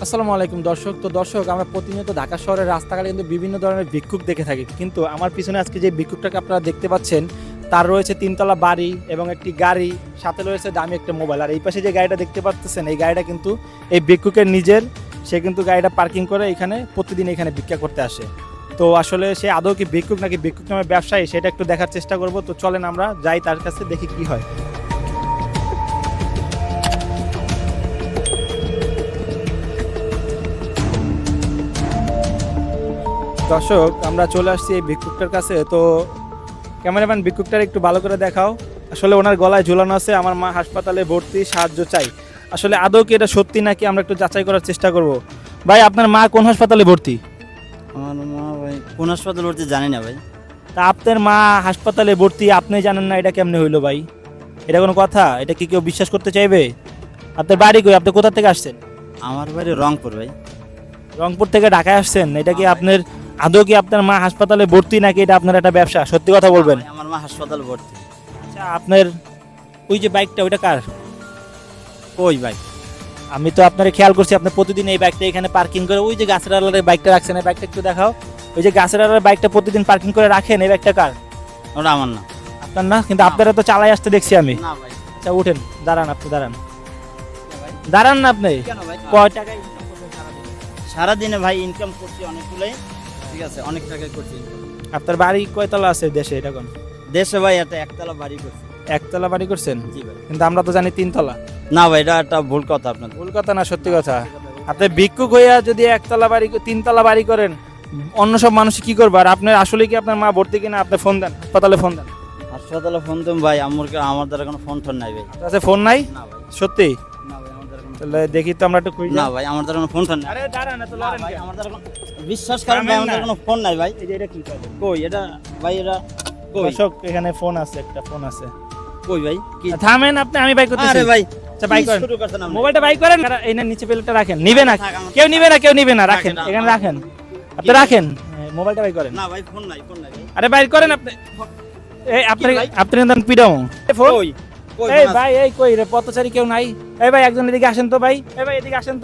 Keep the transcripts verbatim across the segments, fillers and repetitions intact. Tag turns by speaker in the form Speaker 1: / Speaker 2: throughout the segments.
Speaker 1: আসসালামু আলাইকুম দর্শক। তো দর্শক, আমরা প্রতিনিয়ত ঢাকা শহরের রাস্তাঘাটে কিন্তু বিভিন্ন ধরনের ভিক্ষুক দেখে থাকি, কিন্তু আমার পিছনে আজকে যে ভিক্ষুকটাকে আপনারা দেখতে পাচ্ছেন তার রয়েছে তিনতলা বাড়ি এবং একটি গাড়ি, সাথে রয়েছে দামি একটা মোবাইল। আর এই পাশে যে গাড়িটা দেখতে পাচ্ছেন এই গাড়িটা কিন্তু এই ভিক্ষুকের নিজের। সে কিন্তু গাড়িটা পার্কিং করে এখানে প্রতিদিন এখানে ভিক্ষা করতে আসে। তো আসলে সে আদৌ কি ভিক্ষুক নাকি ভিক্ষুক নামে ব্যবসায়ী সেটা একটু দেখার চেষ্টা করব। তো চলেন আমরা যাই তার কাছে, দেখি কি হয়। দর্শক, আমরা চলে আসছি এই ভিক্ষুকটার কাছে। তো ক্যামেরাম্যান, ভিক্ষুকটার একটু ভালো করে দেখাও। আসলে ওনার গলায় ঝুলানো আছে আমার মা হাসপাতালে ভর্তি, সাহায্য চাই। আসলে আদৌ কি এটা সত্যি নাকি আমরা একটু যাচাই করার চেষ্টা করব। ভাই, আপনার মা কোন হাসপাতালে ভর্তি?
Speaker 2: আমার মা ভাই কোন হাসপাতাল ভর্তি জানি না ভাই।
Speaker 1: তা আপনার মা হাসপাতালে ভর্তি, আপনি জানেন না, এটা কেমনে হইলো ভাই? এটা কোনো কথা? এটা কি কেউ বিশ্বাস করতে চাইবে? আপনার বাড়ি কই? আপনি কোথা থেকে আসছেন?
Speaker 2: আমার বাড়ি রংপুর ভাই।
Speaker 1: রংপুর থেকে ঢাকায় আসছেন? এটা কি আপনার আদৌ কি আপনার মা হাসপাতালে ভর্তি নাকি এটা আপনার একটা ব্যবসা? সত্যি কথা বলবেন।
Speaker 2: ভাই, আমার মা হাসপাতাল ভর্তি।
Speaker 1: আচ্ছা, আপনার ওই যে বাইকটা, ওইটা কার?
Speaker 2: কই ভাই?
Speaker 1: আমি তো আপনার খেয়াল করছি আপনি প্রতিদিন এই বাইকটা এখানে পার্কিং করে, ওই যে গাছের আড়ালের বাইকটা রাখছেন, এই বাইকটা একটু দেখাও। ওই যে গাছের আড়ালের বাইকটা প্রতিদিন পার্কিং করে রাখেন, এই বাইকটা কার?
Speaker 2: ওটা আমার না।
Speaker 1: আপনার না? কিন্তু আপনারা তো চালাই আসতে দেখছি আমি।
Speaker 2: না ভাই।
Speaker 1: আচ্ছা, উঠেন, দাঁড়ান, আপনি দাঁড়ান, দাঁড়ান না আপনি।
Speaker 2: কেন ভাই?
Speaker 1: কয় টাকা ইনকাম করছেন সারাদিনে?
Speaker 2: সারাদিনে ভাই ইনকাম করছি অনেকগুলোই, ঠিক আছে, অনেক টাকা করছি income।
Speaker 1: আপনার বাড়ি কয়তলা আছে দেশে? এটা কোন
Speaker 2: দেশে ভাই একটা একতলা বাড়ি করছি।
Speaker 1: একতলা বাড়ি করছেন?
Speaker 2: জি ভাই।
Speaker 1: কিন্তু আমরা তো জানি তিনতলা।
Speaker 2: না ভাই, এটা একটা ভুল কথা আপনার।
Speaker 1: ভুল কথা না, সত্যি কথা। আপনি ভিক্ষুক হইয়া যদি একতলা বাড়ি, তিনতলা বাড়ি করেন, অন্য সব মানুষ কি করবে? আর আপনার আসলে কি আপনার মা ভর্তি কিনা আপনি ফোন দেন, হাসপাতালে ফোন দেন।
Speaker 2: হাসপাতালে ফোন দেন ভাই, আমার আমার দ্বারা কোনো ফোন টোন নাই ভাই।
Speaker 1: আপনার কাছে ফোন নাই?
Speaker 2: না ভাই।
Speaker 1: সত্যি?
Speaker 2: না ভাই, আমার দ্বারা কোনো
Speaker 1: তাহলে দেখি তো আমরা একটু খুঁজে।
Speaker 2: না ভাই, আমার দ্বারা কোনো ফোন টোন নাই।
Speaker 1: আরে দাঁড়ান, এত
Speaker 2: না
Speaker 1: লড়েন
Speaker 2: ভাই,
Speaker 1: কেন?
Speaker 2: আমার দ্বারা কোনো বিশ্বাস করেন ভাই, আমার দ্বারা কোনো ফোন নাই ভাই।
Speaker 1: এই যে এটা কি করে?
Speaker 2: কই এটা ভাই? এটা কই?
Speaker 1: দর্শক, এখানে ফোন আছে, একটা ফোন আছে।
Speaker 2: কই ভাই? কি?
Speaker 1: থামেন আপনি, আমি বাই করতেছি।
Speaker 2: আরে ভাই,
Speaker 1: আচ্ছা, বাই
Speaker 2: কি
Speaker 1: করেন,
Speaker 2: শুরু করছেন আপনি?
Speaker 1: মোবাইলটা বাই করেন। আর এই না, নিচে প্লেটটা রাখেন। নিবে না
Speaker 2: থাক, আমার-
Speaker 1: কেউ, নিবে না কেউ, নিবে না, রাখেন
Speaker 2: রাখেন,
Speaker 1: এখানে,
Speaker 2: আমার-
Speaker 1: রাখেন আপনি, রাখেন। হ্যাঁ, মোবাইলটা বাই করেন।
Speaker 2: না ভাই, ফোন নাই, ফোন নাই ভাই।
Speaker 1: আরে বাই করেন আপনি। এই আপনি
Speaker 2: কি ভাই?
Speaker 1: আপনি কিন্তু পিডাও ফোন।
Speaker 2: কই? কই
Speaker 1: এই
Speaker 2: ফোন আছে?
Speaker 1: ভাই, এই কই রে পথচারী কেউ নাই? এই ভাই, একজন এদিকে আসেন তো ভাই। এই ভাই, এদিকে আসেন তো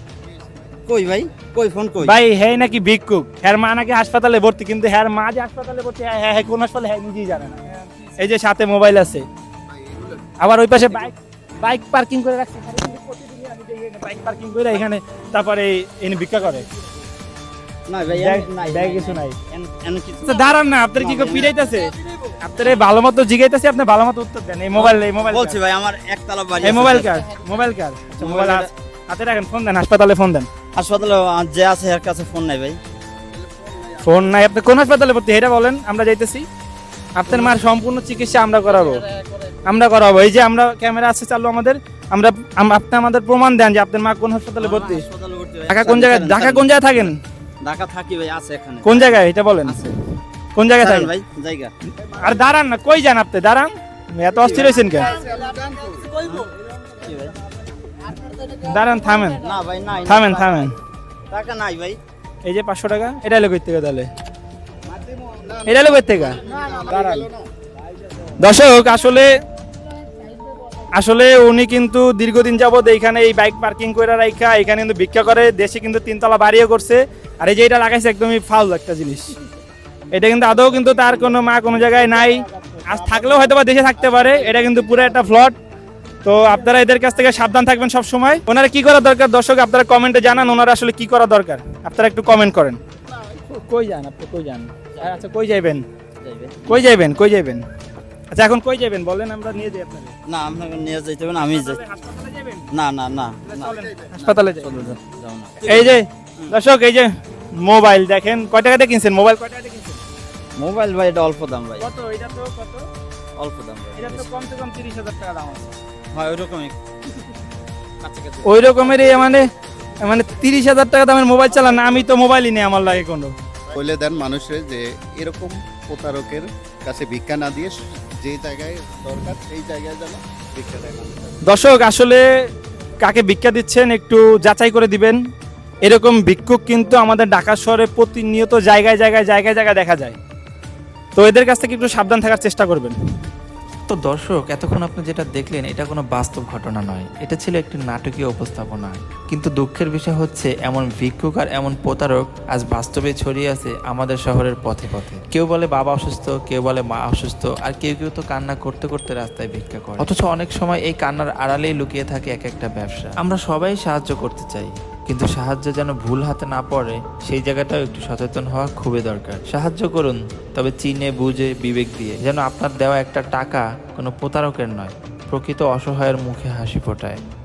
Speaker 2: কই ভাই? কই ফোন কই?
Speaker 1: ভাই। হ্যাঁ নাকি ভিক্ষুক? হ্যার মা নাকি হাসপাতালে ভর্তি, কিন্তু হ্যার মা যে হাসপাতালে ভর্তি, হ্যাঁ হ্যাঁ হ্যাঁ, কোন হাসপাতালে হ্যাঁ নিজেই জানে না। এই যে সাথে মোবাইল আছে, আবার ওই পাশে বাইক বাইক পার্কিং করে রাখছে। প্রতিদিনই আমি দেখি এখানে বাইক পার্কিং করে এখানে, তারপরে এনে ভিক্ষা করে।
Speaker 2: না ভাই,
Speaker 1: ব্যাগ-
Speaker 2: এন- নাই
Speaker 1: ব্যাগ
Speaker 2: নাই,
Speaker 1: কিছু নাই।
Speaker 2: এন- এন কিছু
Speaker 1: আচ্ছা, দাঁড়ান না, আপনার কি
Speaker 2: না,
Speaker 1: কেউ
Speaker 2: ভাই,
Speaker 1: পিড়াইতেছে? আপনার এই ভালো মতো জিগাইতেছে, আপনি ভালো মতো উত্তর দেন। এই মোবাইল, এই মোবাইল
Speaker 2: বলছি ভাই, আমার একতলা বাড়ি
Speaker 1: এই
Speaker 2: আছে।
Speaker 1: মোবাইল কার? মোবাইল কার? আচ্ছা, মোবাইল
Speaker 2: মোবাইল
Speaker 1: হাত- হাতে রাখেন, ফোন দেন, হাসপাতালে ফোন দেন।
Speaker 2: হাসপাতালে আ- যে আছে এর কাছে ফোন নাই ভাই।
Speaker 1: ফোন নাই? আপনি কোন হাসপাতালে ভর্তি এটা বলেন, আমরা যাইতেছি। আপনার মার সম্পূর্ণ চিকিৎসা আমরা করাবো, আমরা করাবো। এই যে আমরা ক্যামেরা আছে চালু আমাদের, আমরা আম- আপনি আমাদের প্রমাণ দেন যে আপনার মা কোন হাসপাতালে
Speaker 2: আমার
Speaker 1: ভর্তি।
Speaker 2: হাসপাতালে ভর্তি ভাই।
Speaker 1: ঢাকা কোন জায়গায়?
Speaker 2: ছাড়েন,
Speaker 1: ঢাকা
Speaker 2: ছাড়েন।
Speaker 1: কোন জায়গায় থাকেন?
Speaker 2: ঢাকা থাকি ভাই, আছে এখানে।
Speaker 1: কোন জায়গায় এটা বলেন,
Speaker 2: আছে।
Speaker 1: কোন জায়গায়
Speaker 2: ছাড়েন
Speaker 1: থাকেন?
Speaker 2: ভাই, জায়গা।
Speaker 1: আর দাঁড়ান না, কই যান আপনি? দাঁড়ান, এত অস্থির হয়েছেন কেন?
Speaker 2: কি ভাই?
Speaker 1: দাঁড়ান, থামেন,
Speaker 2: না ভাই, নাই। নাই,
Speaker 1: থামেন,
Speaker 2: টাকা
Speaker 1: থামেন।
Speaker 2: নাই। টাকা নাই ভাই।
Speaker 1: এই যে পাঁচশো টাকা, এটা এলো কই থেকে তাহলে? এটা এলো কই থেকে? দাঁড়ান। দর্শক, আসলে আসলে উনি কিন্তু দীর্ঘদিন যাবত এইখানে এই বাইক পার্কিং করে রাখা এখানে কিন্তু ভিক্ষা করে। দেশে কিন্তু তিনতলা বাড়িও করছে। আর এই যে এটা লাগাইছে একদমই ফাউল একটা জিনিস। এটা কিন্তু আদৌ কিন্তু তার কোনো মা কোনো জায়গায় নাই। আজ থাকলেও হয়তো বা দেশে থাকতে পারে। এটা কিন্তু পুরো একটা ফ্লড। তো আপনারা এদের কাছ থেকে সাবধান থাকবেন সব সময়। ওনারা কি করা দরকার দর্শক আপনারা কমেন্টে জানান, ওনারা আসলে কি করা দরকার আপনারা একটু কমেন্ট করেন। কই যান আপনি? কই যান? আচ্ছা, কই যাইবেন?
Speaker 2: যাইবে।
Speaker 1: কই যাইবেন? কই যাইবেন? আচ্ছা, এখন কই যাবেন বলেন, আমরা নিয়ে যাই আপনাকে।
Speaker 2: না, আপনাকে নিয়ে যাইতে হবে না, আমি যাই।
Speaker 1: হাসপাতালে যাবেন?
Speaker 2: না না না না।
Speaker 1: চলেন, হাসপাতালে যাই।
Speaker 2: চলো, যাও, যাও না।
Speaker 1: এই যে দর্শক, এই যে মোবাইল দেখেন, কয় টাকাতে কিনছেন মোবাইল? কয় টাকাতে কিনছেন?
Speaker 2: মোবাইল ভাই, এটা অল্প দাম ভাই।
Speaker 1: কত? এটা তো কত?
Speaker 2: অল্প দাম ভাই।
Speaker 1: এটা তো কমসে কম তিরিশ হাজার টাকা দাম আছে।
Speaker 2: হয় ওইরকমই কাছাকাছি।
Speaker 1: ওই রকমের মানে মানে তিরিশ হাজার টাকা দামের মোবাইল চালান না? আমি তো মোবাইলই নেই আমার লাগে কোনো।
Speaker 3: বলে দেন মানুষের যে এরকম প্রতারকের কাছে ভিক্ষা না দিয়ে যে জায়গায় দরকার সেই জায়গায় যেন ভিক্ষা দেয় মানুষ।
Speaker 1: দর্শক, আসলে কাকে ভিক্ষা দিচ্ছেন একটু যাচাই করে দিবেন। এরকম ভিক্ষুক কিন্তু আমাদের ঢাকা শহরে প্রতিনিয়ত জায়গায় জায়গায় জায়গায় জায়গায় দেখা যায়। তো এদের কাছ থেকে একটু সাবধান থাকার চেষ্টা করবেন।
Speaker 4: তো দর্শক, এতক্ষণ আপনি যেটা দেখলেন এটা কোনো বাস্তব ঘটনা নয়, এটা ছিল একটি নাটকীয় উপস্থাপনা। কিন্তু দুঃখের বিষয় হচ্ছে এমন ভিক্ষুক আর এমন প্রতারক আজ বাস্তবে ছড়িয়ে আছে আমাদের শহরের পথে পথে। কেউ বলে বাবা অসুস্থ, কেউ বলে মা অসুস্থ, আর কেউ কেউ তো কান্না করতে করতে রাস্তায় ভিক্ষা করে। অথচ অনেক সময় এই কান্নার আড়ালেই লুকিয়ে থাকে এক একটা ব্যবসা। আমরা সবাই সাহায্য করতে চাই, কিন্তু সাহায্য যেন ভুল হাতে না পড়ে সেই জায়গাটাও একটু সচেতন হওয়া খুবই দরকার। সাহায্য করুন, তবে চিনে বুঝে বিবেক দিয়ে, যেন আপনার দেওয়া একটা টাকা কোনো প্রতারকের নয়, প্রকৃত অসহায়ের মুখে হাসি ফোটায়।